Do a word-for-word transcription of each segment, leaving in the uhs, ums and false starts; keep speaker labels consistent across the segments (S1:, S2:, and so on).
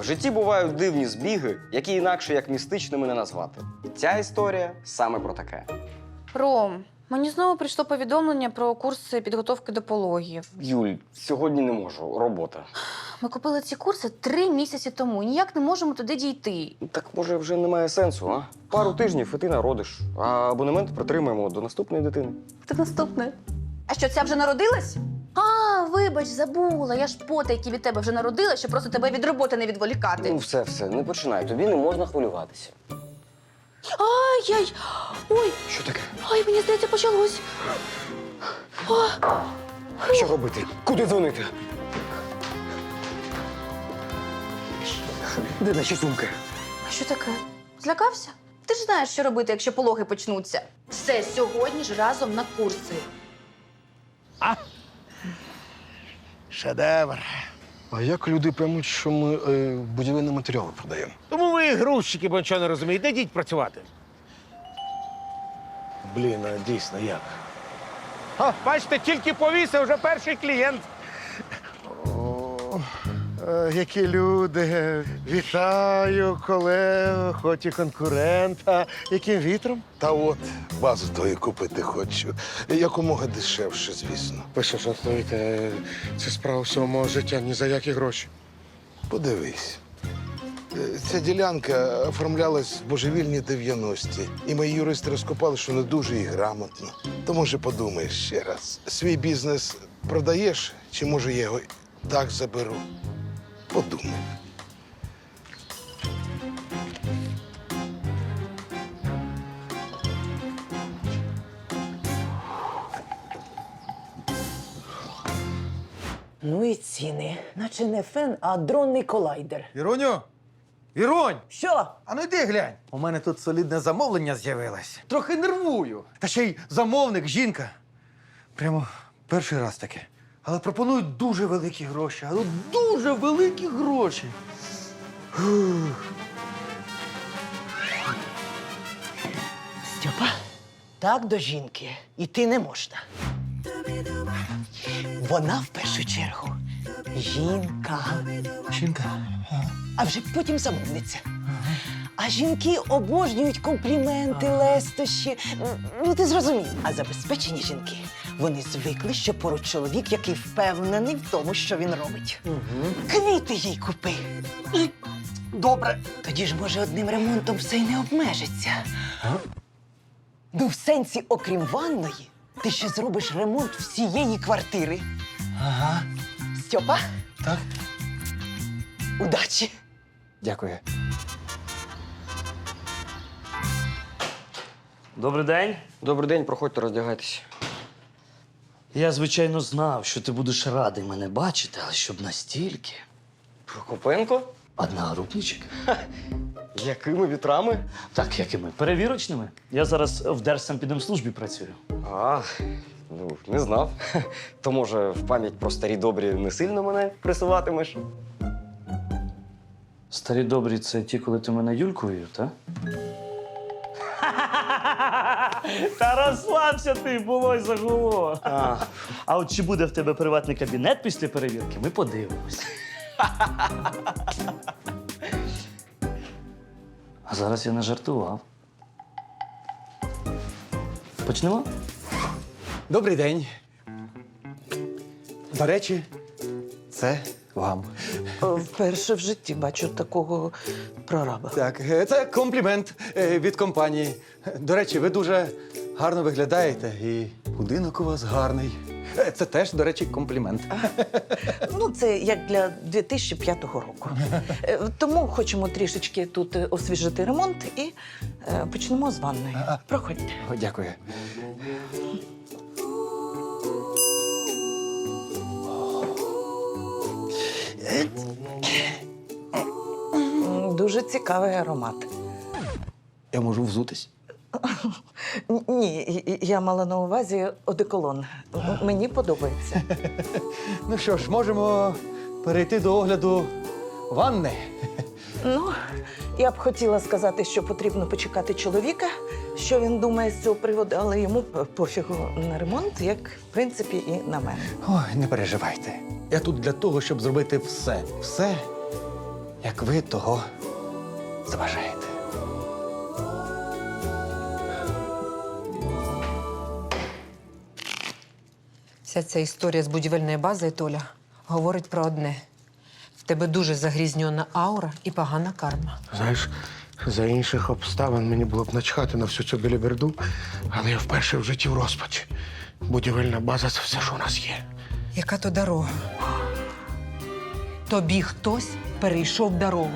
S1: житті бувають дивні збіги, які інакше як містичними не назвати. Ця історія саме про таке.
S2: Ром, мені знову прийшло повідомлення про курси підготовки до пологів.
S1: Юль, сьогодні не можу, робота.
S2: Ми купили ці курси три місяці тому і ніяк не можемо туди дійти.
S1: Так може вже немає сенсу, а? Пару тижнів і ти народиш, а абонемент притримаємо до наступної дитини.
S2: Хто наступне? А що, ця вже народилась? А, вибач, забула. Я ж потайки від тебе вже народила, щоб просто тебе від роботи не відволікати.
S1: Ну все, все, не починай, тобі не можна хвилюватися.
S2: Ай-яй! Ой,
S1: Що таке?
S2: ай, мені здається, почалось.
S1: Що робити? Куди дзвонити? Де наші сумки?
S2: А що таке? Злякався? Ти ж знаєш, що робити, якщо пологи почнуться. Все, сьогодні ж разом на курси.
S3: Шедевр.
S4: А як люди поймуть, що ми е, будівельні матеріали продаємо?
S3: Тому ви грузчики, бо нічого не розумієте. Йдіть працювати. Блін, а дійсно як? О, бачите, тільки повісив, вже перший клієнт.
S4: О, е, які люди. Вітаю, колегу, хоч і конкурента. Яким вітром?
S5: Та от базу тої купити хочу. Якомога дешевше, звісно.
S4: Ви що жартуєте? Це справа всього мого життя, ні за які гроші.
S5: Подивись. Е, Ця ділянка оформлялась в божевільні дев'яності. І мої юристи розкопали, що не дуже і грамотно. То, може, подумаєш ще раз. Свій бізнес продаєш, чи може я його так заберу? Подумай.
S6: Ну і ціни. Наче не фен, а дронний колайдер.
S7: Іроню? Іронь!
S6: Що?
S7: А ну йди глянь. У мене тут солідне замовлення з'явилось. Трохи нервую. Та ще й замовник, жінка. Прямо перший раз таке. Але пропонують дуже великі гроші. Але дуже великі гроші. Фух.
S6: Стьопа, так до жінки йти не можна. Вона в першу чергу жінка,
S7: Жінка.
S6: а вже потім замовниця. А жінки обожнюють компліменти, лестощі. Ну, ти зрозумів. А забезпечені жінки, вони звикли, що поруч чоловік, який впевнений в тому, що він робить. Квіти їй купи.
S7: Добре.
S6: Тоді ж, може, одним ремонтом все й не обмежиться. Ну, в сенсі, окрім ванної, ти ще зробиш ремонт всієї квартири.
S7: Ага.
S6: Стьопа,
S7: Так.
S6: удачі!
S7: Дякую.
S8: Добрий день.
S1: Добрий день, проходьте, роздягайтеся.
S8: Я, звичайно, знав, що ти будеш радий мене бачити, але щоб настільки.
S1: Прокопенко?
S8: Одногрупничок.
S1: Якими вітрами?
S8: Так, якими? Перевірочними. Я зараз в Держсанпідемслужбі працюю.
S1: А, ну, не знав. То, може, в пам'ять про старі добрі не сильно мене присуватимеш?
S8: Старі добрі це ті, коли ти мене Юлькою, так? Та розслабся ти, було й загуло.
S1: А,
S8: А от чи буде в тебе приватний кабінет після перевірки, ми подивимось. А зараз я не жартував. Почнемо?
S7: Добрий день. До речі, це вам.
S6: Вперше в житті бачу такого прораба.
S7: Так, е, це комплімент е, від компанії. До речі, ви дуже гарно виглядаєте і будинок у вас гарний. Е, Це теж, до речі, комплімент.
S6: Ну, це як для дві тисячі п'ятого року. Е, Тому хочемо трішечки тут е, освіжити ремонт і е, почнемо з ванної. Проходьте.
S7: О, дякую.
S6: М, Дуже цікавий аромат.
S7: Я можу взутись.
S6: Н- Ні, і- і- я мала на увазі одеколон. М- Мені подобається.
S7: Ну що ж, можемо перейти до огляду ванни.
S6: Ну, я б хотіла сказати, що потрібно почекати чоловіка, що він думає з цього приводу, але йому пофігу на ремонт, як, в принципі, і на мене.
S7: Ой, не переживайте. Я тут для того, щоб зробити все. Все як ви того заважаєте.
S9: Вся ця історія з будівельною базою, Толя, говорить про одне. В тебе дуже загрізньона аура і погана карма.
S3: Знаєш, за інших обставин мені було б начхати на всю цю біліберду, але я вперше в житті в розпачі. Будівельна база – це все, що у нас є.
S9: Яка то дорога? Тобі хтось перейшов дорогу.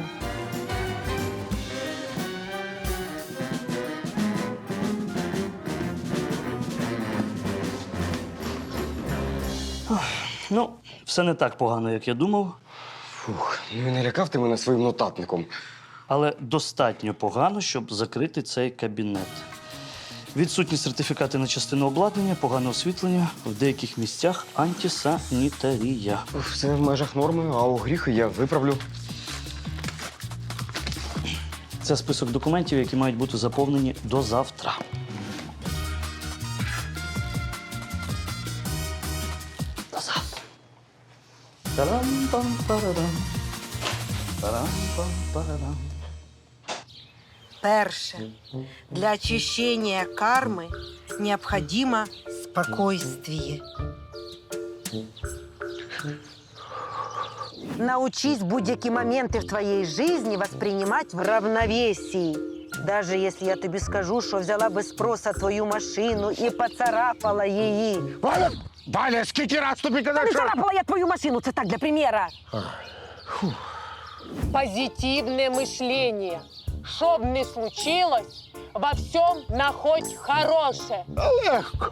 S8: Ну, все не так погано, як я думав,
S1: Фух, ну і не лякав ти мене своїм нотатником.
S8: але достатньо погано, щоб закрити цей кабінет. Відсутні сертифікати на частину обладнання, погане освітлення, в деяких місцях антисанітарія.
S1: Все в межах норми, а у гріхи я виправлю.
S8: Це список документів, які мають бути заповнені до завтра. До завтра. Тарам-пам-парарам. Тарам-пам-парарам.
S10: Перше. Для очищения кармы необходимо спокойствие. Научись будь-які моменти в твоей жизни воспринимать в равновесии. Даже если я тобі скажу, що взяла без спроса твою машину і поцарапала її.
S3: Валя! Валя, скільки раз тобі казав,
S10: Не
S3: що...
S10: царапала я твою машину, це так для примера.
S11: Позитивное мышление. Что б ни случилось, во всем находь хорошее.
S3: Легко.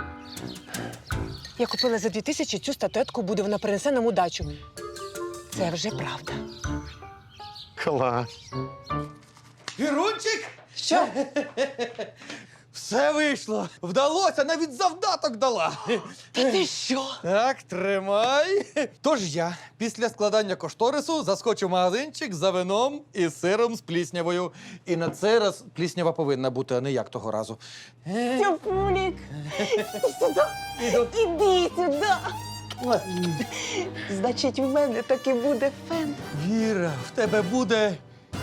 S9: Я купила за дві тисячі цю статуетку, буде вона принесе нам удачу. Це вже правда.
S3: Клас.
S7: Вірунчик? Що? Все вийшло. Вдалося, навіть завдаток дала.
S9: Та ти що?
S7: Так, тримай. Тож я після складання кошторису заскочу в магазинчик за вином і сиром з пліснявою. І на цей раз пліснява повинна бути, а не як того разу. Е,
S10: Тюпулік, сюди, іди сюди. Значить, в мене таки буде фен.
S7: Віра, в тебе буде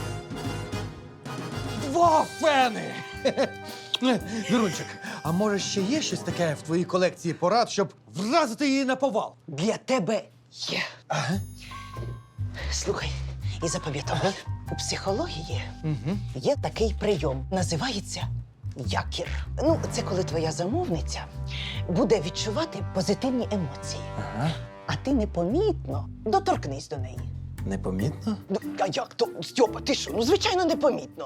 S7: два фени. Вірунчик, а може ще є щось таке в твоїй колекції порад, щоб вразити її на повал?
S6: Для тебе є.
S7: Ага.
S6: Слухай і запам'ятай, у психології
S7: Угу.
S6: є такий прийом. Називається якір. Ну, це коли твоя замовниця буде відчувати позитивні емоції.
S7: Ага.
S6: А ти непомітно доторкнись до неї.
S7: Непомітно?
S6: Ну, а як то, Стьопа, ти що? Ну, звичайно, непомітно.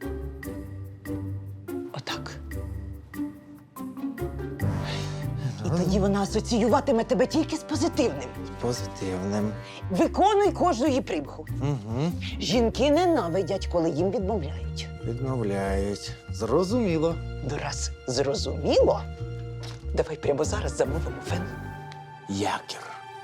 S6: Отак. І тоді вона асоціюватиме тебе тільки з позитивним.
S7: Позитивним.
S6: Виконуй кожну її примху.
S7: Угу.
S6: Жінки ненавидять, коли їм відмовляють.
S7: Відмовляють. Зрозуміло.
S6: Ну, раз зрозуміло, давай прямо зараз замовимо фен.
S7: Якір.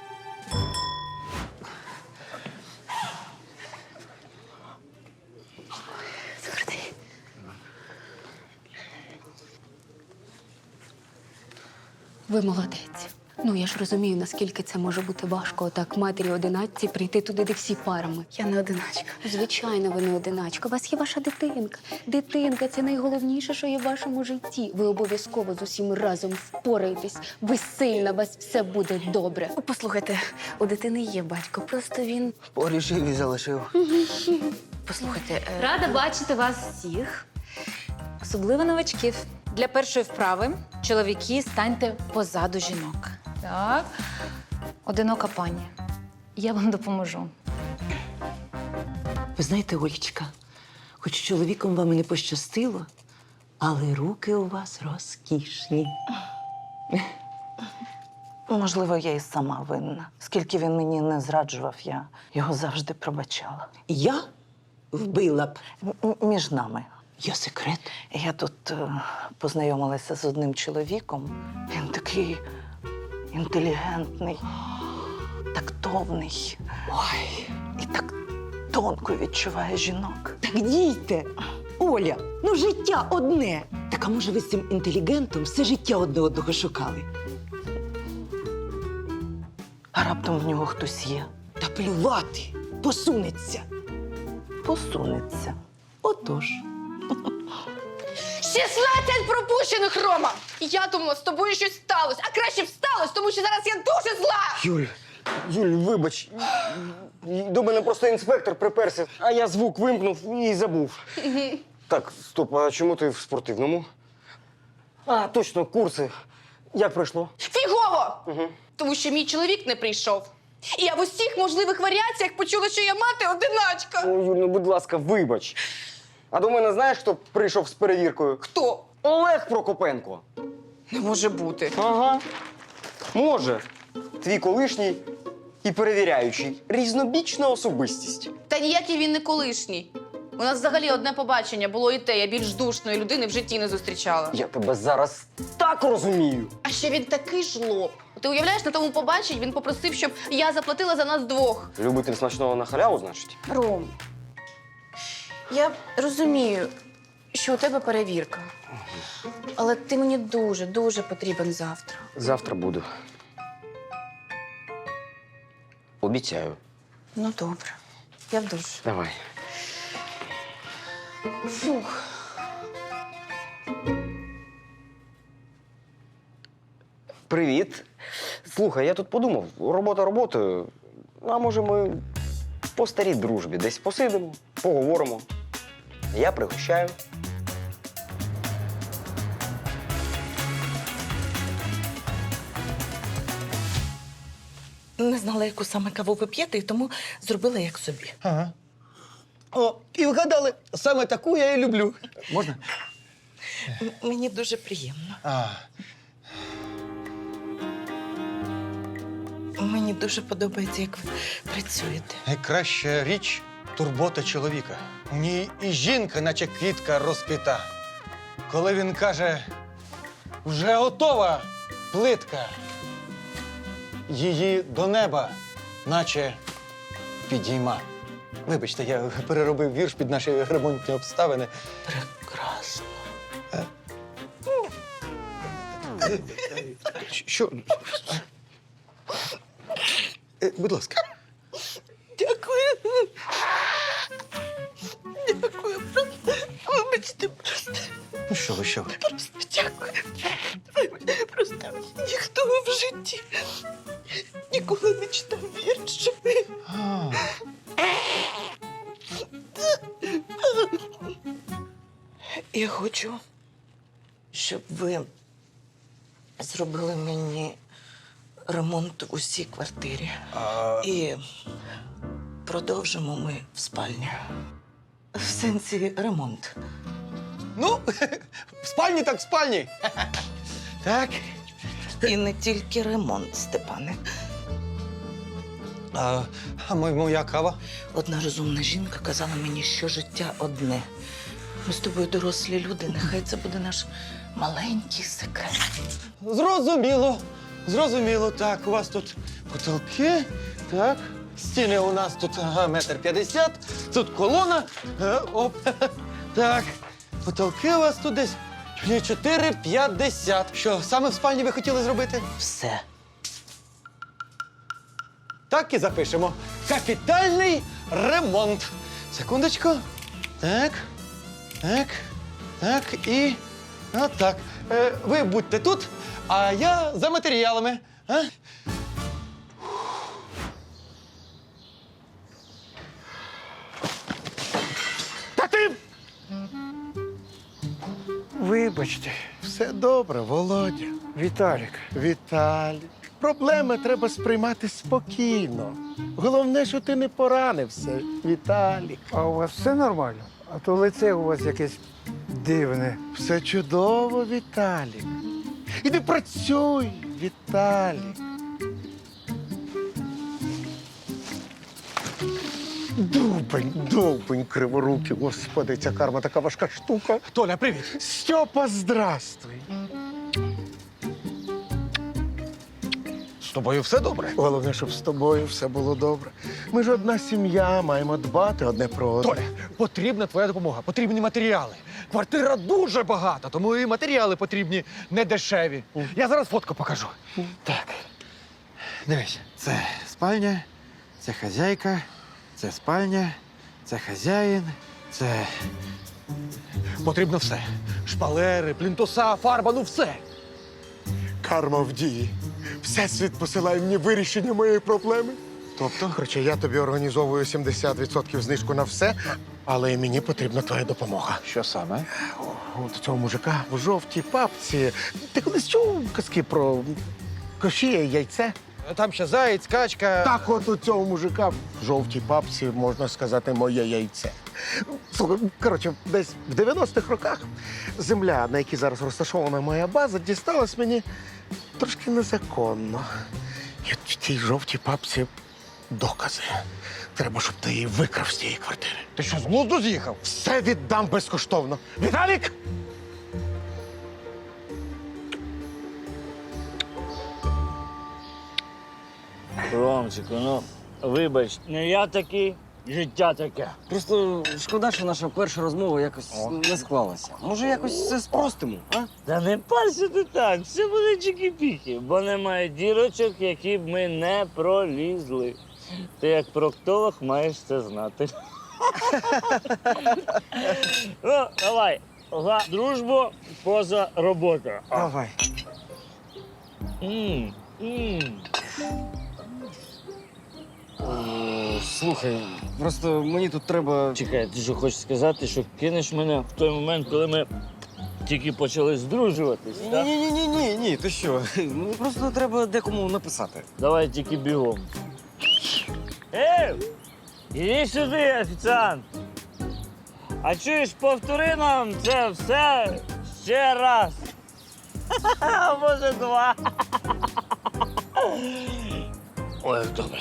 S12: Ви молодець. Ну, я ж розумію, наскільки це може бути важко отак матері одиначці прийти туди, де всі парами.
S2: Я не одиначка.
S12: Звичайно, ви не одиначка. У вас є ваша дитинка. Дитинка – це найголовніше, що є в вашому житті. Ви обов'язково з усім разом впораєтесь. Ви сильна, у вас все буде добре.
S2: О, послухайте, у дитини є батько, просто він…
S4: Порішив і залишив.
S2: Послухайте, е,
S12: Рада бачити вас всіх.
S2: особливо новачків. Для першої вправи чоловіки станьте позаду жінок. Так. Одинока пані. Я вам допоможу.
S6: Ви знаєте, Олічка, хоч чоловіком вам і не пощастило, але руки у вас розкішні.
S10: Можливо, я і сама винна. Скільки він мені не зраджував, я його завжди пробачала.
S6: Я вбила б.
S10: М- Між нами.
S6: Є секрет.
S10: Я тут е, познайомилася з одним чоловіком. Він такий інтелігентний, тактовний. Ой, і так тонко відчуває жінок.
S6: Так дійте. Оля, ну життя одне. Так а може ви з цим інтелігентом все життя одне одного шукали?
S10: А раптом в нього хтось є.
S6: Та плювати, посунеться. посунеться. Отож.
S11: шістнадцять пропущених, Рома! Я думала, з тобою щось сталося, а краще б сталося, тому що зараз я дуже зла!
S1: Юль, Юль, вибач. До мене просто інспектор приперся, а я звук вимкнув і забув. Так, стоп, а чому ти в спортивному? А, точно, курси. Як пройшло?
S11: Фігово!
S1: Угу.
S11: Тому що мій чоловік не прийшов. І я в усіх можливих варіаціях почула, що я мати-одиначка.
S1: О, Юль, ну будь ласка, вибач. А до мене знаєш, хто прийшов з перевіркою?
S11: Хто?
S1: Олег Прокопенко.
S11: Не може бути.
S1: Ага. Може. Твій колишній і перевіряючий. Різнобічна особистість.
S11: Та ніякий він не колишній. У нас взагалі одне побачення було і те, я більш душної людини в житті не зустрічала.
S1: Я тебе зараз так розумію.
S11: А ще він такий жлоб. Ти уявляєш, на тому побаченні він попросив, щоб я заплатила за нас двох.
S1: Любитель смачного на халяву, значить?
S11: Ром, я розумію, що у тебе перевірка. Але ти мені дуже, дуже потрібен завтра.
S1: Завтра буду. Обіцяю.
S11: Ну, добре. Я в душ.
S1: Давай.
S11: Фух.
S1: Привіт. Слухай, я тут подумав, робота роботою. А може ми по старій дружбі десь посидимо, поговоримо. Я пригощаю.
S6: Не знала, яку саме каву ви п'єте, і тому зробила як собі.
S7: Ага. О, і вгадали, саме таку я і люблю. Можна?
S6: М- Мені дуже приємно.
S7: А,
S6: Мені дуже подобається, як ви працюєте.
S7: найкраща річ турбота чоловіка. У ній і жінка, наче квітка розквіта. Коли він каже, вже готова плитка, її до неба, наче підійма. Вибачте, я переробив вірш під наші ремонтні обставини.
S6: Прекрасно.
S7: Що? Е, Будь ласка.
S6: Дякую. Дякую. Вибачте, просто.
S7: Ну що ви, що ви?
S6: Просто дякую. Просто ніхто в житті ніколи не читав вірші.
S7: А,
S6: Я хочу, щоб ви зробили мені ремонт в усій квартирі.
S7: а,
S6: І продовжимо ми в спальні. В сенсі ремонт.
S7: ну, в спальні так в спальні. Так.
S6: І не тільки ремонт, Степане.
S7: А, а мо- моя кава?
S6: Одна розумна жінка казала мені, що життя одне. Ми з тобою дорослі люди, нехай це буде наш маленький секрет.
S7: Зрозуміло. Зрозуміло. Так, у вас тут потолки. Так. Стіни у нас тут ага, метр п'ятдесят. Тут колона. Е, оп. Так. Потолки у вас тут десь чотири п'ятдесят. Що, саме в спальні ви хотіли зробити?
S6: Все.
S7: Так і запишемо. Капітальний ремонт. Секундочку. Так. Так. Так. І. Отак. Е, ви будьте тут, а я за матеріалами. А?
S3: Та ти! Вибачте, все добре, Володя.
S4: Віталік.
S3: Віталік. Проблеми треба сприймати спокійно. Головне, що ти не поранився, Віталік.
S4: А у вас все нормально? А то лице у вас якесь дивне.
S3: Все чудово, Віталік. Іди працюй, Віталік. Довбень, довбень, криворукий. Господи, ця карма така важка штука.
S7: Толя, привіт.
S3: Стьопа, здравствуй.
S7: З тобою все добре?
S3: Головне, щоб з тобою все було добре. Ми ж одна сім'я, маємо дбати одне про одне.
S7: Толя, потрібна твоя допомога, потрібні матеріали. Квартира дуже багата, тому і матеріали потрібні не дешеві. Я зараз фотку покажу. Так. Дивись, це спальня, це хазяйка, це спальня, це хазяїн, це потрібно все. Шпалери, плінтуса, фарба, ну все.
S3: Карма в дії. Всесвіт посилає мені вирішення моєї проблеми.
S7: Тобто?
S3: Короче, я тобі організовую сімдесят відсотків знижку на все, але і мені потрібна твоя допомога.
S7: Що саме?
S3: От цього мужика в жовтій папці. Ти колись чув казки про кошія, яйце?
S7: Там ще заєць, качка.
S3: Так от у цього мужика в жовтій папці, можна сказати, моє яйце. Слухай, коротше, десь в дев'яностих роках земля, на якій зараз розташована моя база, дісталась мені трошки незаконно. І от в тій жовтій папці докази. Треба, щоб ти її викрав з тієї квартири.
S7: Ти що, з глузду з'їхав?
S3: Все віддам безкоштовно. Віталік!
S13: Ромчику, ну вибач, не я такий, життя таке.
S1: Просто шкода, що наша перша розмова якось не склалася. Може, якось все спростимо, а?
S13: Та не парся ти так, все буде чики-піки, бо немає дірочок, які б ми не пролізли. Ти як проктолог маєш це знати. Ну, давай, за дружбу поза робота.
S1: Давай.
S13: М, м.
S1: Е, Слухай, просто мені тут треба.
S13: Чекай, ти що хочеш сказати, що кинеш мене в той момент, коли ми тільки почали здружуватись, так?
S1: Ні, ні, ні, ні, ні, ти що? Мені просто треба декому написати.
S13: Давай тільки бігом. Ей! Іди сюди, офіціант! А чуєш, повтори нам це все ще раз. А може, два. Ой, добре.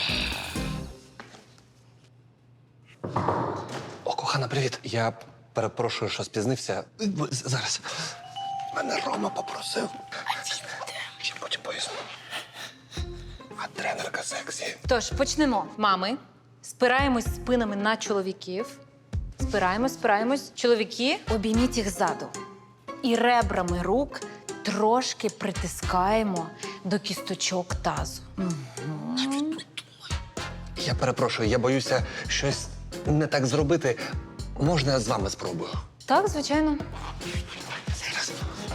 S14: О, кохана, привіт. Я перепрошую, що спізнився. З- Зараз. Мене Рома попросив. Ще потім поясню. А тренерка сексі.
S2: Тож почнемо. Мами, спираємось спинами на чоловіків. Спираємось, спираємось. Чоловіки, обійміть їх ззаду. І ребрами рук трошки притискаємо до кісточок тазу. Мгм.
S14: Я перепрошую, я боюся щось не так зробити. Можна я з вами спробую?
S2: Так, звичайно.
S14: Зараз.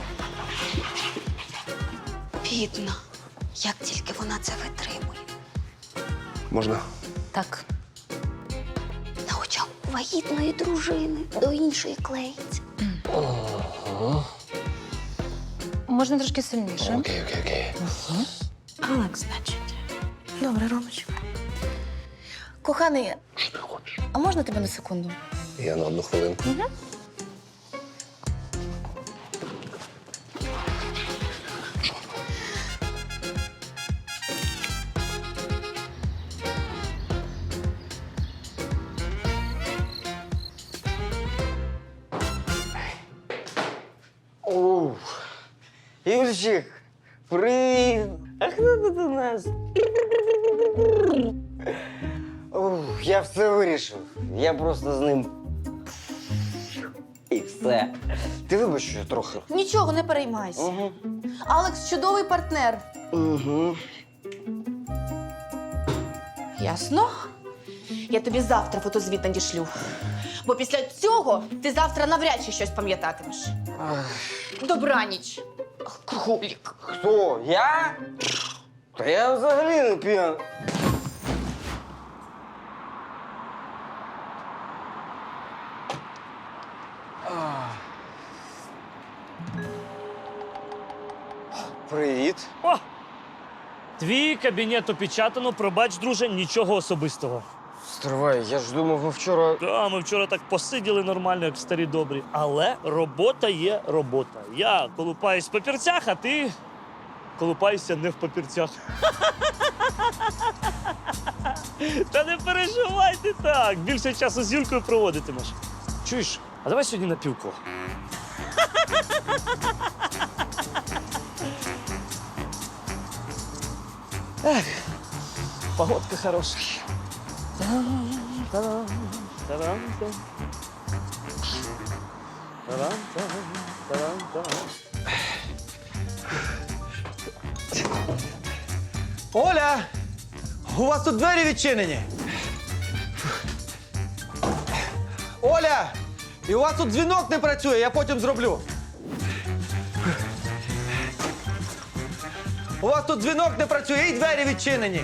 S12: Бідно, як тільки вона це витримує.
S14: Можна?
S2: Так.
S12: На очах вагітної дружини до іншої клеїться.
S14: Ого.
S2: Можна трошки сильніше.
S14: Окей, окей, окей.
S11: Алекс, значить. Добре, Ромочка. Коханий,
S14: Що ти хочеш?
S11: а можна тебе на секунду?
S14: Я на одну хвилинку.
S1: Оу. Юльчик, привіт! А хто тут у нас? Оу, я все вирішив. Я просто з ним. І все. Ти вибач, що я трохи.
S11: Нічого, не переймайся.
S1: Угу.
S11: Алекс чудовий партнер.
S1: Угу.
S11: Ясно? Я тобі завтра фотозвіт надішлю. Бо після цього ти завтра навряд чи щось пам'ятатимеш. Добраніч, алкоголік.
S1: Хто? Я? Та я взагалі не п'яний. Привіт.
S13: О! Твій кабінет опечатано, пробач, друже, нічого особистого.
S1: Стривай, я ж думав, ми вчора.
S13: Да, ми вчора так посиділи нормально, як старі добрі. Але робота є робота. Я колупаюсь в папірцях, а ти колупаєшся не в папірцях. Та не переживай ти так. Більше часу з Юлькою проводитимеш. Чуєш, а давай сьогодні на півко. Ех, погодка хороша. Та-дам, та-дам, та-дам. Та-дам, та-дам, та-дам.
S7: Оля! У вас тут двері відчинені. Оля! І у вас тут дзвінок не працює, я потім зроблю. У вас тут дзвінок не працює і двері відчинені.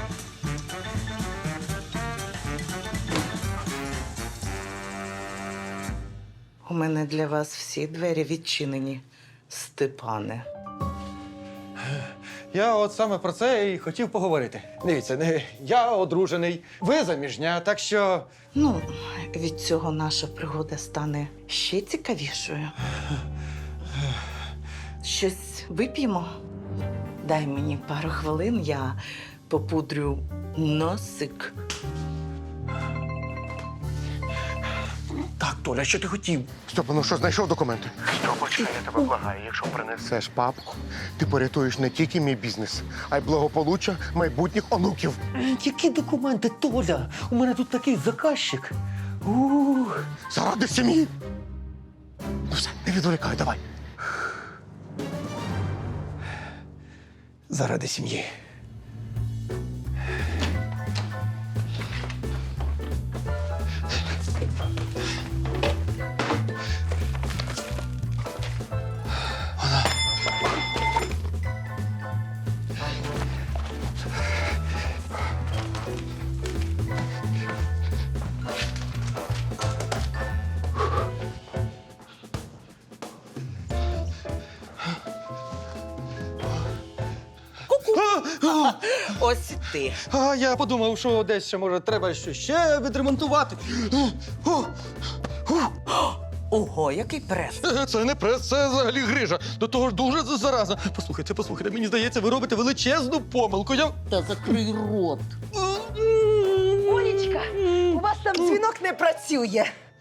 S6: У мене для вас всі двері відчинені, Степане.
S7: Я от саме про це і хотів поговорити. Дивіться, не- я одружений, ви заміжня, так що.
S6: Ну, від цього наша пригода стане ще цікавішою. Щось вип'ємо? Дай мені пару хвилин, я попудрю носик.
S7: Так, Толя, що ти хотів?
S3: Стьопа, ну що, знайшов документи? Стьопочка, я тебе благаю, якщо принесеш папку, ти порятуєш не тільки мій бізнес, а й благополуччя майбутніх онуків.
S7: Які документи, Толя? У мене тут такий заказчик. Ух.
S3: Заради сім'ї. Ну все, не відволікай, давай.
S7: Заради сім'ї.
S6: Ось ти.
S7: А я подумав, що десь ще, може, треба щось ще відремонтувати. О,
S6: Ого, який прес.
S7: це не прес, це взагалі грижа. До того ж дуже заразна. Послухайте, послухайте, мені здається, ви робите величезну помилку. Я...
S6: Та закрий рот. Олечка, у вас там дзвінок не працює.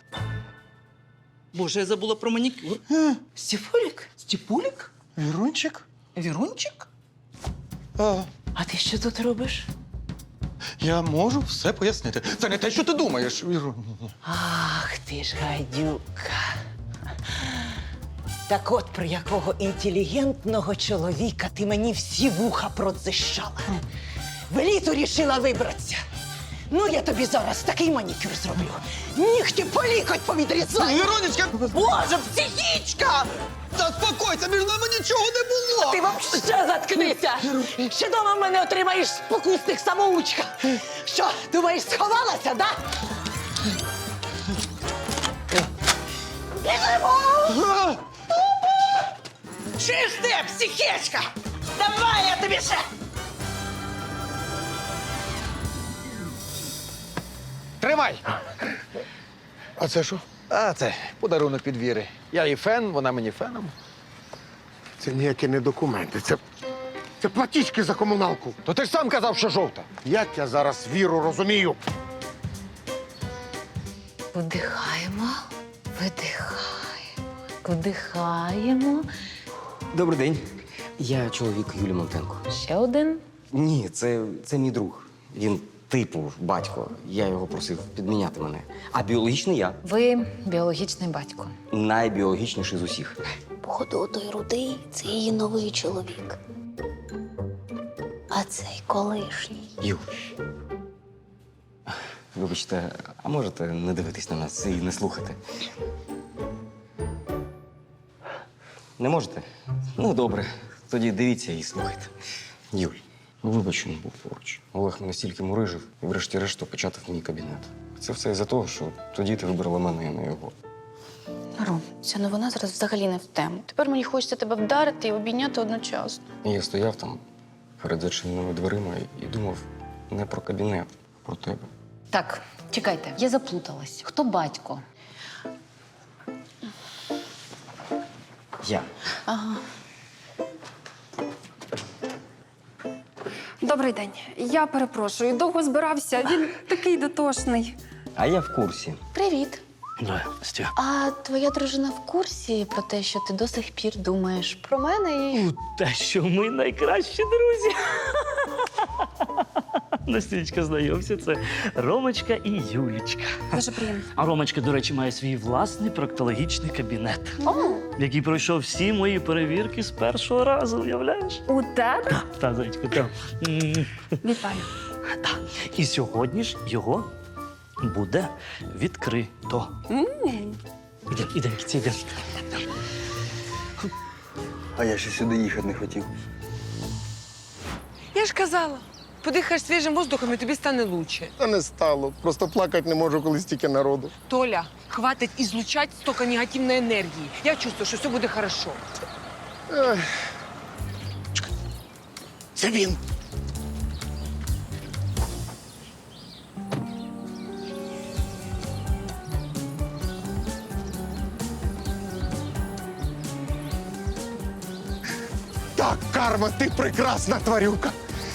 S6: Боже, я забула про манікюр. Степулік? Степулік?
S7: Вірунчик?
S6: Вірунчик?
S7: А,
S6: А ти що тут робиш?
S7: я можу все пояснити. Це не те, що ти думаєш, Вірун.
S6: Ах, ти ж гайдюка. Так от про якого інтелігентного чоловіка ти мені всі вуха продзищала. В еліту рішила вибратися. Ну, я тобі зараз такий манікюр зроблю. Нігті по лікоть повідрізаю.
S7: Віронечка!
S6: Боже, психічка!
S7: Заспокойся, між нами нічого не було!
S6: Ти вообще заткнися! Ще дома в мене отримаєш спокусник самоучка. Що, думаєш, сховалася, да? Біжимо! Чуєш ти, психічка? Давай я тобі ще!
S7: Тримай!
S3: А це що?
S7: А це подарунок від Віри. Я їй фен, вона мені феном.
S3: Це ніякі не документи. Це, це платіжки за комуналку.
S7: То ти ж сам казав, що жовта.
S3: Як я зараз Віру розумію?
S2: Вдихаємо, видихаємо, вдихаємо.
S1: Добрий день. Я чоловік Юлії Монтенко.
S2: Ще один.
S1: Ні, це, це мій друг. Він типу батько. Я його просив підміняти мене. А біологічний я.
S2: Ви біологічний батько.
S1: Найбіологічніший з усіх.
S12: Походу, той рудий це її новий чоловік. А цей колишній.
S1: Ю. Вибачте, а можете не дивитись на нас і не слухати? Не можете? Ну, добре. Тоді дивіться і слухайте. Юль, ну вибач, що не був поруч. Олег мене стільки мурижив і врешті-решт опечатав мій кабінет. Це все із-за того, що тоді ти вибрала мене, а не його.
S11: Ром, ця новина зараз взагалі не в тему. Тепер мені хочеться тебе вдарити і обійняти одночасно.
S1: І я стояв там перед зачиненими дверима і думав не про кабінет, а про тебе.
S2: Так, чекайте, я заплуталась. Хто батько?
S1: Я.
S11: Ага.
S15: Добрий день. Я перепрошую, довго збирався. Він такий дотошний.
S1: А я в курсі.
S11: Привіт.
S8: Да, Стя.
S11: А твоя дружина в курсі про те, що ти до сих пір думаєш про мене і.
S13: Те, що ми найкращі друзі. Настічка, знайомся, це Ромочка і Юлічка.
S15: Дуже приємно.
S13: А Ромочка, до речі, має свій власний проктологічний кабінет, який пройшов всі мої перевірки з першого разу, уявляєш?
S15: У тебе?
S13: Та, зайчку, та. М.
S15: Вітаю.
S13: Та. І сьогодні ж його
S8: буде відкрито. Ідемо, ідемо, кіці, йдемо.
S1: А я ще сюди їхати не хотів.
S9: Я ж казала, подихаєш свіжим воздухом і тобі стане лучше.
S3: Та не стало. Просто плакати не можу, коли стільки народу.
S9: Толя, хватить ізлучати стільки негативної енергії. Я чувствую, що все буде хорошо.
S3: Ех. Чекай. Це він. Так, карма, ти прекрасна тварюка.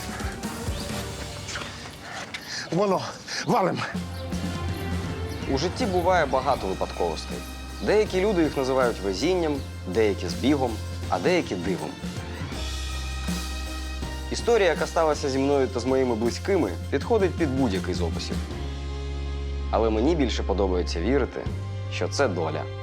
S3: Воно, валим.
S1: У житті буває багато випадковостей. Деякі люди їх називають везінням, деякі збігом, а деякі дивом. Історія, яка сталася зі мною та з моїми близькими, підходить під будь-який з описів. Але мені більше подобається вірити, що це доля.